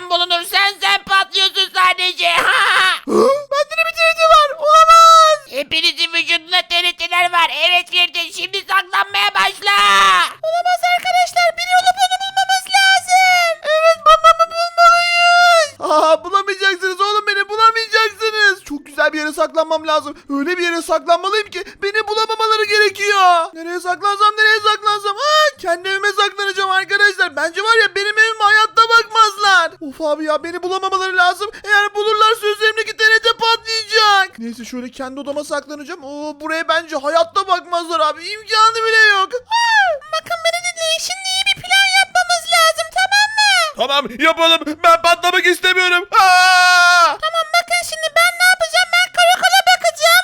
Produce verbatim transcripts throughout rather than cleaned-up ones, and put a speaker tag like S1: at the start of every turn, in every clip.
S1: sen bulunursan sen patlıyorsun sadece.
S2: Bende de bir T N T var. Olamaz.
S1: Hepinizin vücudunda T N T'ler var. Evet Firdin, şimdi saklanmaya başla.
S2: Olamaz arkadaşlar. Biri olup onu bulmamız lazım. Evet, babamı bulmalıyız. Aa, bulamayacaksınız oğlum, beni bulamayacaksınız. Çok güzel bir yere saklanmam lazım. Öyle bir yere saklanmalıyım ki beni bulamamaları gerekiyor. Nereye saklansam nereye saklansam. Ha, kendi evime saklanacağım arkadaşlar. Bence var ya, benim evime hayatta bakmazlar. Of abi ya, beni bulamamaları lazım. Eğer bulurlarsa üzerimdeki T N T patlayacak. Neyse, şöyle kendi odama saklanacağım. Oo, buraya bence hayatta bakmazlar abi. İmkanı bile yok. Aa, bakın beni dinleyin. Şimdi iyi bir plan yapmamız lazım, tamam mı?
S3: Tamam, yapalım. Ben patlamak istemiyorum. Aa!
S2: Tamam, bakın şimdi ben ne yapacağım? Ben karakola bakacağım.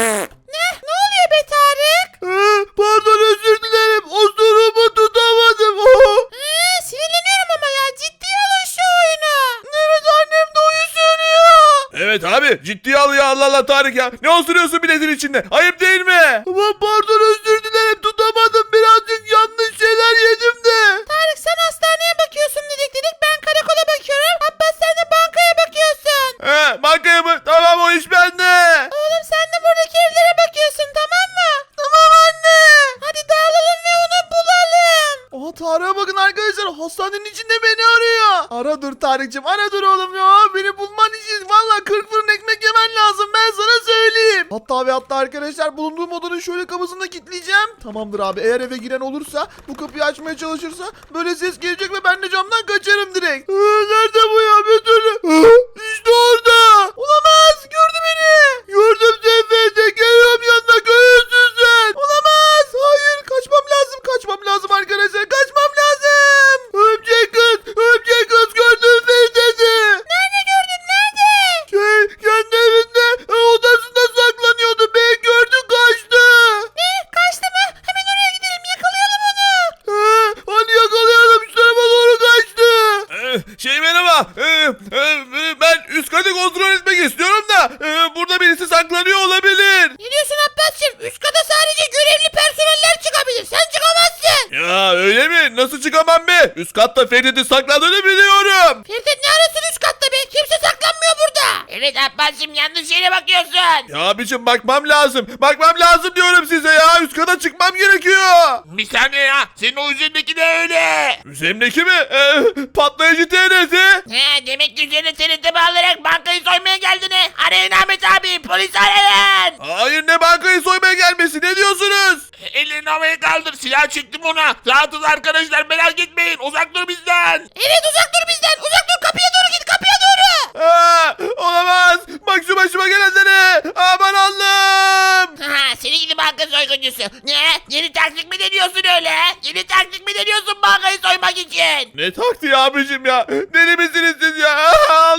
S2: Ne? Ne oluyor be Tarık? Pardon, özür dilerim. Osurumu tutamadım. Ee, sinirleniyorum ama ya. Ciddiye alın şu oyunu. Evet, annem de oyun söylüyor.
S3: Evet abi, ciddiye al ya, Allah Allah Tarık ya. Ne osuruyorsun biletin içinde? Ayıp değil mi?
S2: Ama pardon, özür dilerim. Tutamadım. Birazcık yanlış şeyler yedim de. Tarık, sen hastaneye bakıyorsun dedik dedik. Ben karakola bakıyorum. Abbas, sen de bankaya bakıyorsun.
S3: He, bankaya mı? Tamam, o iş bende.
S2: Oğlum, sen de buradaki evlere bakıyorsun, tamam mı? Tamam anne. Hadi dağılalım ve onu bulalım. Aha, Tarık'a bakın arkadaşlar. Hastanenin içinde beni arıyor. Ara dur Tarık'cığım, ara dur oğlum ya. Beni bulman için valla kırk fırın ekmek yemen lazım. Ben sana söyleyeyim. Hatta ve hatta arkadaşlar, bulunduğum odanın şöyle kapısını da kilitleyeceğim. Tamamdır abi. Eğer eve giren olursa, bu kapıyı açmaya çalışırsa böyle ses gelecek ve ben de camdan kaçarım direkt. Ee, nerede bu ya? Bir türlü. İşte orada. Olamaz. Gördü beni. Gördüm seni. Geliyorum yanına. Görüyorsun sen. Olamaz. Hayır. Kaçmam lazım. Kaçmam lazım arkadaşlar. Kaçmam lazım. Örümcek kız. Örümcek kız gördüm seni dedi. Nerede gördün? Nerede? Şey, kendi evinde e, odasında saklanıyordu. Beni gördü, kaçtı. Ne? Kaçtı mı? Hemen oraya gidelim. Yakalayalım onu. He, hadi yakalayalım. Şu tarafa doğru kaçtı.
S3: Ee, şey merhaba. Ee, e, ben üst katı kontrol etmek istiyorum da e, burada birisi saklanıyor olabilir.
S2: Ne diyorsun Abbas'cığım? Üst kata sadece görevli personeller çıkabilir. Sen çıkamazsın.
S3: Ya öyle mi? Nasıl çıkamam be? Üst katta Ferit'in saklandığını biliyorum.
S2: Ferdet, ne arasın üst katta be? Kimse saklanmıyor burada.
S1: Evet Abbas'cığım, yanlış yere bakıyorsun.
S3: Ya abicim, bakmam lazım. Bakmam lazım diyorum size ya. Üst kata çıkmam gerekiyor.
S1: Bir saniye ya, senin o üzerindeki de öyle.
S3: Üzerimdeki mi? Ee, patlayıcı T N T.
S1: He, demek ki üzerine T N T bağlayarak bankayı soymaya geldin he. Arayın Ahmet abi, polis arayın.
S3: Hayır, ne bankayı soymaya gelmesi, ne diyorsunuz?
S1: Ellerini havaya kaldır, silah çektim ona. Rahatız arkadaşlar, merak etmeyin, uzak dur bizden.
S2: Evet, uzak dur bizden. Uzak dur, kapıya doğru git, kapıya doğru.
S3: Aa, olamaz. Bak şu başıma gelenlere. Aman Allah'ım.
S1: Ha, seni gidi banka soyguncusu. Ne? Yeni taktik mi deniyorsun öyle? Yeni taktik mi deniyorsun bankayı soymak için?
S3: Ne taktiği abicim ya? Deli misiniz siz ya?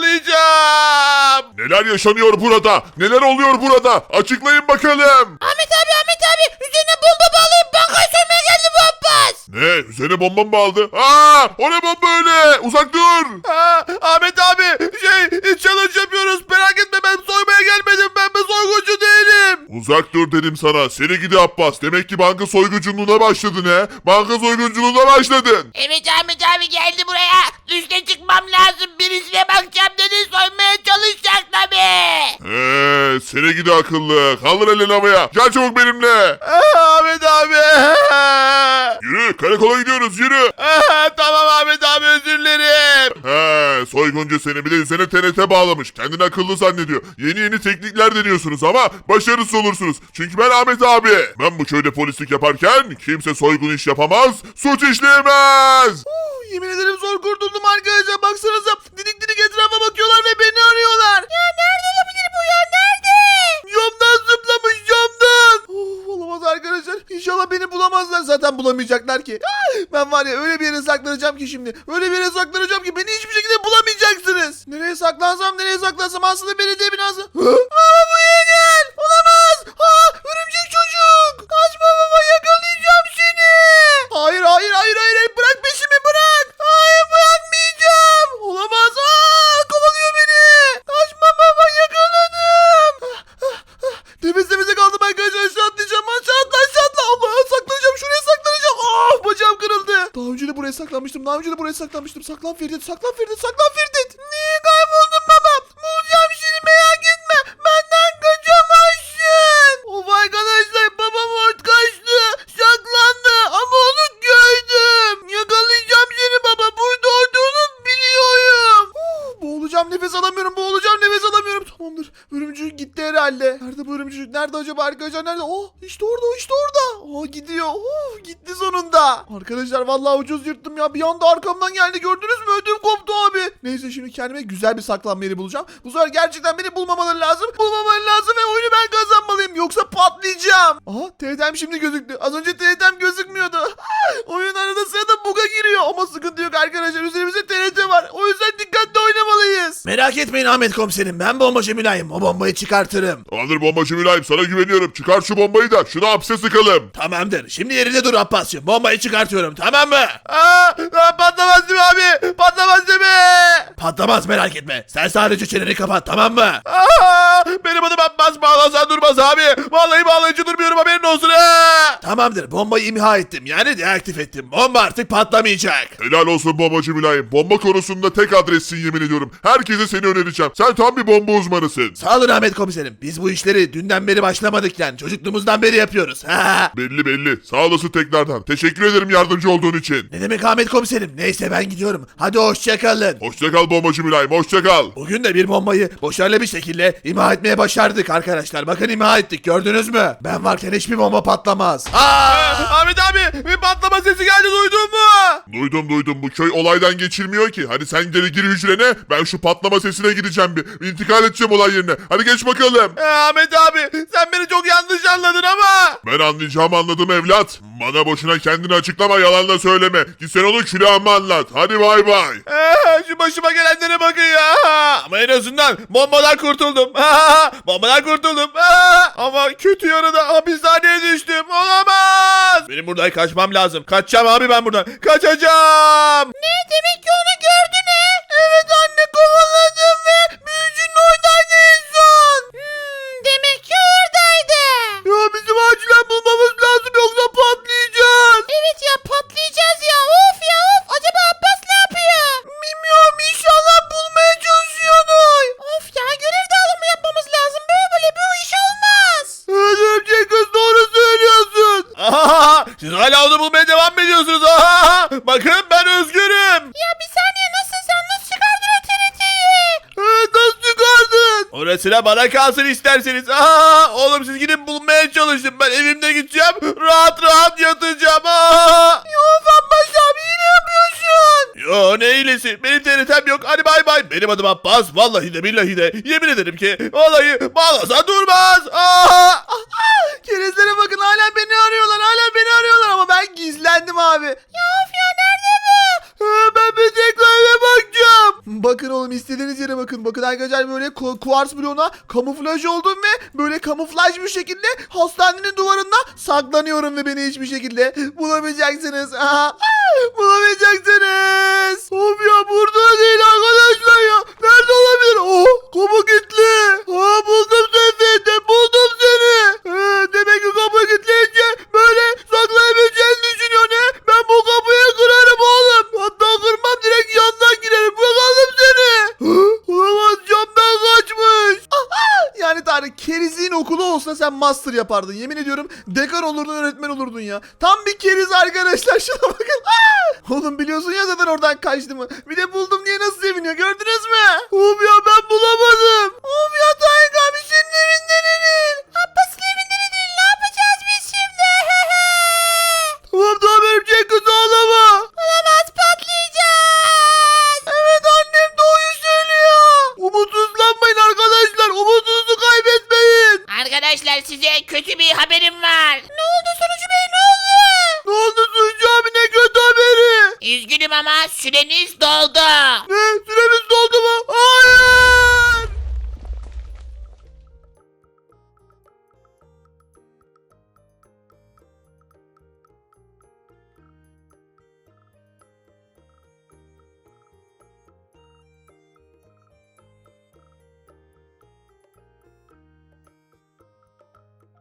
S3: Ağlayacağım.
S4: Neler yaşanıyor burada? Neler oluyor burada? Açıklayın bakalım.
S2: Ahmet abi, Ahmet abi. Üzerine bomba bağlayıp bankayı soymaya geldi bu Abbas.
S4: Ne? Üzerine bomba mı aldı? Aa! O ne bomba öyle? Uzak dur.
S3: Aa, Ahmet abi, şey, challenge yapıyoruz. Merak etme, ben soymaya gelmedim. Ben bir soyguncu değilim.
S4: Uzak dur dedim sana. Seni gidi Abbas. Demek ki banka soygunculuğuna başladın he. Banka soygunculuğuna başladın.
S1: Evet Ahmet abi geldi buraya. Üste çıkmam lazım. Birisine bakacağım dedi, soymaya çalışacak tabii.
S4: He, seni gidi akıllı. Kaldır elini havaya. Gel çabuk benimle.
S3: Aa, Ahmet abi.
S4: Yürü, karakola gidiyoruz, yürü.
S3: Aa, tamam Ahmet abi, özür dilerim.
S4: He, soyguncu seni, bir de üzerine T N T bağlamış. Kendini akıllı zannediyor. Yeni yeni teknikler deniyorsunuz ama başarısız olursunuz. Çünkü ben Ahmet abi. Ben bu köyde polislik yaparken kimse soygun iş yapamaz, suç işleyemez.
S2: Uh, yemin ederim zor kurtuldum arkadaşlar. Baksanıza, didik didik etrafa bakıyorlar ve beni arıyorlar. Ya nerede olabilir bu ya? Nerede? Camdan zıplamış, camdan. Of, olamaz arkadaşlar. İnşallah beni bulamazlar. Zaten bulamayacaklar ki. Ben var ya, öyle bir yere saklanacağım ki şimdi. Öyle bir yere saklanacağım ki beni hiçbir şekilde bulamayacaksınız. Nereye saklansam, nereye saklansam, aslında belediye binası. Hı? Baba, buraya gel. Olamaz. Ha, örümcek çocuk. Kaçma baba, yakalayacağım seni. Hayır, hayır, hayır, hayır. hayır. Bırak peşimi, bırak. Hayır, bırakmayacağım. Olamaz. Aa, kovalıyor beni. Kaçma baba, yakaladım. Temiz temize kaldım arkadaşlar. Aşağı atlayacağım. Aşağı atla, aşağı atla. Allah, saklanacağım. Şuraya saklanacağım. Ah, bacağım kırıldı. Daha önce de buraya sak saklanmıştım. Daha önce de buraya saklanmıştım. Saklan Ferit, saklan Ferit, saklan Ferit. Niye kayboldun baba? Bulacağım seni, merak etme. Benden kaçamazsın. Of arkadaşlar, babam orada kaçtı. Saklandı ama onu gördüm. Yakalayacağım seni baba. Burada olduğunu biliyorum. Uh, boğulacağım, nefes alamıyorum. Boğulacağım, nefes alamıyorum. Tamamdır. Örümcük gitti herhalde. Nerede bu örümcük? Nerede acaba arkadaşlar? Nerede? Oh, işte orada, işte orada. Oh, gidiyor. Oh, gitti sonunda. Arkadaşlar vallahi ucuz yırttım ya. Bir anda arkamdan geldi, gördünüz mü? Ödüm koptu abi. Neyse, şimdi kendime güzel bir saklanma yeri bulacağım. Bu sefer gerçekten beni bulmamaları lazım. Bulmamaları lazım ve oyunu ben kazanmalıyım. Yoksa patlayacağım. Aha, T R'm şimdi gözüktü. Az önce T R'm gözükmüyordu. Oyun arada sırada bug'a giriyor. Ama sıkıntı yok arkadaşlar. Üzerimizde T R T var. O yüzden dikkatli oynamalıyız.
S5: Merak etmeyin Ahmet komiserim, ben bombacı mülayim, o bombayı çıkartırım.
S4: Tamamdır bombacı mülayim, sana güveniyorum. Çıkar şu bombayı da şunu hapse sıkalım.
S5: Tamamdır, şimdi yerinde dur Abbas'cığım, bombayı çıkartıyorum, tamam mı?
S3: Aa, aa, patlamaz değil mi abi? Patlamaz değil mi?
S5: Patlamaz, merak etme, sen sadece çeneni kapat, tamam mı?
S3: Aa, benim adım Abbas, bağlasan durmaz abi. Vallahi bağlayıcı durmuyorum, haberin olsun ha.
S5: Tamamdır, bombayı imha ettim, yani deaktif ettim, bomba artık patlamayacak.
S4: Helal olsun bombacı mülayim. Bomba konusunda tek adressin, yemin ediyorum. Herkese seni önereceğim. Sen tam bir bomba uzmanısın.
S5: Sağ olun Ahmet komiserim, biz bu işleri dünden beri başlamadık yani, çocukluğumuzdan beri yapıyoruz. Ha.
S4: Belli belli. Sağ olasın tekrardan. Teşekkür ederim yardımcı olduğun için.
S5: Ne demek Ahmet komiserim, neyse ben gidiyorum, hadi hoşçakalın.
S4: Hoşça kal bombacı mülayim. Hoşça kal.
S5: Bugün de bir bombayı başarılı bir şekilde imha etmeye başardık arkadaşlar. Bakın imha ettik, gördünüz mü? Ben varken hiçbir bomba patlamaz. Aa!
S3: Aa, Ahmet abi, bir patlama sesi geldi, duydun mu?
S4: Duydum duydum. Bu köy olaydan geçilmiyor ki. Hadi sen geri gir hücrene. Ben şu patlama sesine gideceğim bir. İntikal edeceğim olay yerine. Hadi geç bakalım.
S3: Ee, Ahmet abi, sen beni çok yanlış anladın ama.
S4: Ben anlayacağımı anladım evlat. Bana boşuna kendini açıklama, yalan da söyleme. Git sen onu külahıma anlat. Hadi bay bay.
S3: Ee, şu başıma gelenlere bakın ya. Ama en azından bombadan kurtuldum. Bombadan kurtuldum. Ama kötü yanı da hapishaneye düştüm. Olamaz. Benim buradan kaçmam lazım. Kaçacağım abi ben buradan. Kaçacağım.
S1: Ne demek ki onu gördün he? Evet anne, kovaladım ve büyücünün oradaydı en son. Hmm, demek ki oradaydı.
S2: Ya bizim acilen bulmamız lazım, yoksa patlayacağız.
S1: Evet ya, patlayacağız ya. Of ya of. Acaba Abbas ne yapıyor?
S2: Bilmiyorum, inşallah bulmaya çalışıyordur.
S1: Of ya, görev dağılımı yapmamız lazım. Böyle böyle bu iş olmaz.
S2: Evet örümcek kız, doğru söylüyorsun.
S3: Aha, siz hala onu bulmaya devam mı ediyorsunuz? Aha, bakın ben özgürüm.
S1: Ya bir saniye, nasıl sen nasıl çıkardın o T R T'yi?
S2: Evet, nasıl çıkardın?
S3: Orasına bana kalsın isterseniz. Aha, oğlum siz gidin bulmaya çalışın. Ben evimde gideceğim. Rahat rahat yatacağım. Aha.
S2: Of Abbas abi, yine yapıyorsun.
S3: Yo, ne iyilesi? Benim T R T'm yok. Hadi bay bay. Benim adım Abbas. Vallahi de billahi de. Yemin ederim ki vallahi bağlasa durmaz. Aha.
S2: Kerizlere bakın, hala beni arıyorlar, hala beni arıyorlar ama ben gizlendim abi.
S1: Ya of ya, nerede bu?
S2: Ha, ben bir tekrar eve bakacağım. Bakın oğlum, istediğiniz yere bakın. Bakın arkadaşlar, böyle ku- kuars bloğuna kamuflaj oldum ve böyle kamuflaj bir şekilde hastanenin duvarında saklanıyorum ve beni hiçbir şekilde bulamayacaksınız. Aha. Bulamayacaksınız. Of ya, burada değil arkadaşlar ya. Nerede olabilir? Oh, kapı kilitli. Ha, buldum seni. De buldum seni. Ha, demek ki kapı kilitleyince böyle saklayabileceğini düşünüyor ne? Ben bu kapıyı kırarım oğlum. Hatta kırmam, direkt yandan girerim. Bakalım seni. Hı? Olamaz, camdan kaçmış. Yani Tarık, kerizliğin okulu olsa sen master yapardın. Yemin ediyorum dekan olurdun, öğretmen olurdun ya. Tam bir keriz arkadaşlar, şuna bakın. Oğlum biliyorsun ya zaten oradan kaçtığımı. Bir de buldum diye nasıl seviniyor, gördünüz mü? Of ya, ben bulamadım. Of ya Tarık abi, senin evinde ne değil?
S1: Abbas'ın evinde ne değil, ne yapacağız biz şimdi?
S2: Tamam tamam, örümcek kız ağlama.
S1: Olamaz, patlayacağız.
S2: Evet, annem doğruyu söylüyor. Umutsuzlanmayın arkadaşlar, umudunuzu kaybetmeyin.
S1: Arkadaşlar, size kötü bir haberim